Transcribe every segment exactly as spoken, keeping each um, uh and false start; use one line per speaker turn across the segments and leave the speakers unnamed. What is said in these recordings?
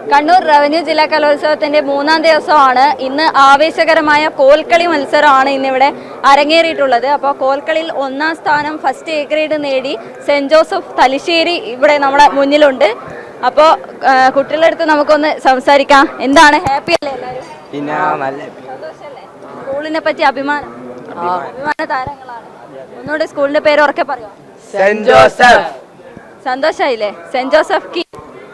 Kannur revenue ജില്ലാ കലോത്സവത്തിന്റെ മൂന്നാം ദിവസമാണ്. ഇന്ന് ആവേശകരമായ കോൽക്കളി മത്സരമാണ് ഇന്നിവിടെ അരങ്ങേറിയിട്ടുള്ളത്. അപ്പോൾ കോൽക്കളിയിൽ ഒന്നാം സ്ഥാനം ഫസ്റ്റ് എ ഗ്രേഡ് നേടി സെന്റ് ജോസഫ് തലശ്ശേരി ഇവിടെ നമ്മുടെ മുന്നിലുണ്ട്. അപ്പോൾ കുട്ടികളുടെ അടുത്ത് നമുക്കൊന്ന് സംസാരിക്കാം. എന്താണ്, ഹാപ്പി അല്ലേ എല്ലാവരും? സന്തോഷല്ലേ? സ്കൂളിനെ പറ്റി അഭിമാനം അഭിമാന താരങ്ങളാണ്. ഒന്നുകൂടെ സ്കൂളിന്റെ പേര് ഉറക്കെ പറയോ?
Saint Joseph.
സന്തോഷായില്ലേ? സെന്റ് ജോസഫ് കി.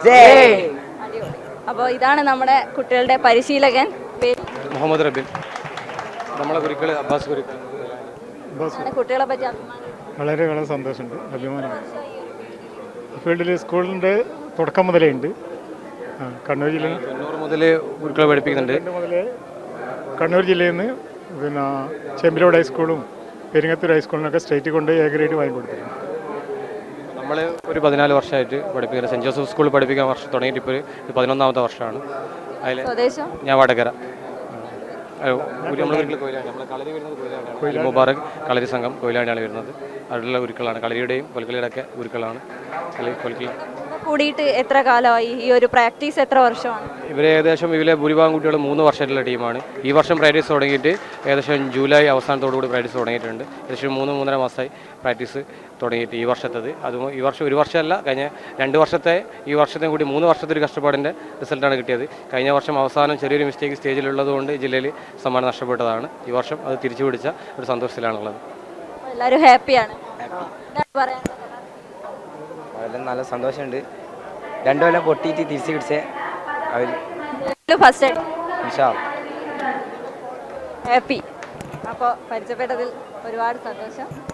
അപ്പോൾ ഇതാണ് നമ്മുടെ കുട്ടികളുടെ പരിശീലകൻ,
മുഹമ്മദ് റബീൻ. നമ്മളെ കുരുക്കൾ അബ്ബാസ് കുരുക്കൾ.
കുട്ടികളെ പറ്റി അഭിമാനം.
വളരെ വളരെ സന്തോഷമുണ്ട്, അഭിമാനമാണ്. ഫീൽഡിൽ സ്കൂളിൻ്റെ തുടക്കം മുതലേ ഉണ്ട്. കണ്ണൂർ ജില്ലയിൽ
കണ്ണൂർ മുതൽ കുരുക്കളെ പഠിപ്പിക്കുന്നുണ്ട്.
മുതലേ കണ്ണൂർ ജില്ലയിൽ നിന്ന് പിന്നെ ചെമ്പിലോട് ഹൈസ്കൂളും പെരിങ്ങത്തൂർ ഹൈസ്കൂളിനൊക്കെ സ്റ്റേറ്റ് കൊണ്ട് എ ഗ്രേഡ് വാങ്ങിക്കൊടുത്തിട്ടുണ്ട്.
നമ്മൾ ഒരു പതിനാല് വർഷമായിട്ട് പഠിപ്പിക്കുന്നത് സെൻറ്റ് ജോസഫ് സ്കൂളിൽ പഠിപ്പിക്കാൻ വർഷം തുടങ്ങിയിട്ട് ഇപ്പോൾ ഒരു പതിനൊന്നാമത്തെ വർഷമാണ്. അതിൽ ഞാൻ വടകര. നമ്മൾ കളരി വരുന്നത് കൊയിലാണ്ടി, മുബാറക് കളരി സംഘം കൊയിലാണ്ടിയാണ് വരുന്നത്. അതിലുള്ള ഉരുക്കളാണ്, കളരിയുടെയും കൊൽക്കളിയുടെ ഒക്കെ ഉരുക്കളാണ്. കൊൽക്കളി
കൂടിയിട്ട് എത്ര കാലമായി? ഈ ഒരു പ്രാക്ടീസ് എത്ര വർഷമാണ്?
ഇവർ ഏകദേശം ഇവരെ ഭൂരിഭാഗം കുട്ടികൾ മൂന്ന് വർഷമായിട്ടുള്ള ടീമാണ്. ഈ വർഷം പ്രാക്ടീസ് തുടങ്ങിയിട്ട് ഏകദേശം ജൂലൈ അവസാനത്തോടുകൂടി പ്രാക്ടീസ് തുടങ്ങിയിട്ടുണ്ട്. ഏകദേശം മൂന്ന് മൂന്നര മാസമായി പ്രാക്ടീസ് തുടങ്ങിയിട്ട് ഈ വർഷത്തത്. അതും ഈ വർഷം ഒരു വർഷമല്ല, കഴിഞ്ഞ രണ്ട് വർഷത്തെ ഈ വർഷത്തെയും കൂടി മൂന്ന് വർഷത്തെ ഒരു കഷ്ടപ്പാടിൻ്റെ റിസൾട്ടാണ് കിട്ടിയത്. കഴിഞ്ഞ വർഷം അവസാനം ചെറിയൊരു മിസ്റ്റേക്ക് സ്റ്റേജിലുള്ളതുകൊണ്ട് ജില്ലയിൽ സമ്മാനം നഷ്ടപ്പെട്ടതാണ്. ഈ വർഷം അത് തിരിച്ചു പിടിച്ച ഒരു സന്തോഷത്തിലാണുള്ളത്.
എല്ലാവരും ഹാപ്പിയാണ്.
അതെല്ലാം നല്ല സന്തോഷമുണ്ട്. രണ്ടു കൊല്ലം പൊട്ടിയിട്ട് തിരിച്ചു പിടിച്ചേ അവർ
ഫസ്റ്റ്
ഇൻഷാ
ഹാപ്പി. അപ്പോൾ പരിചയപ്പെട്ടതിൽ ഒരുപാട് സന്തോഷം.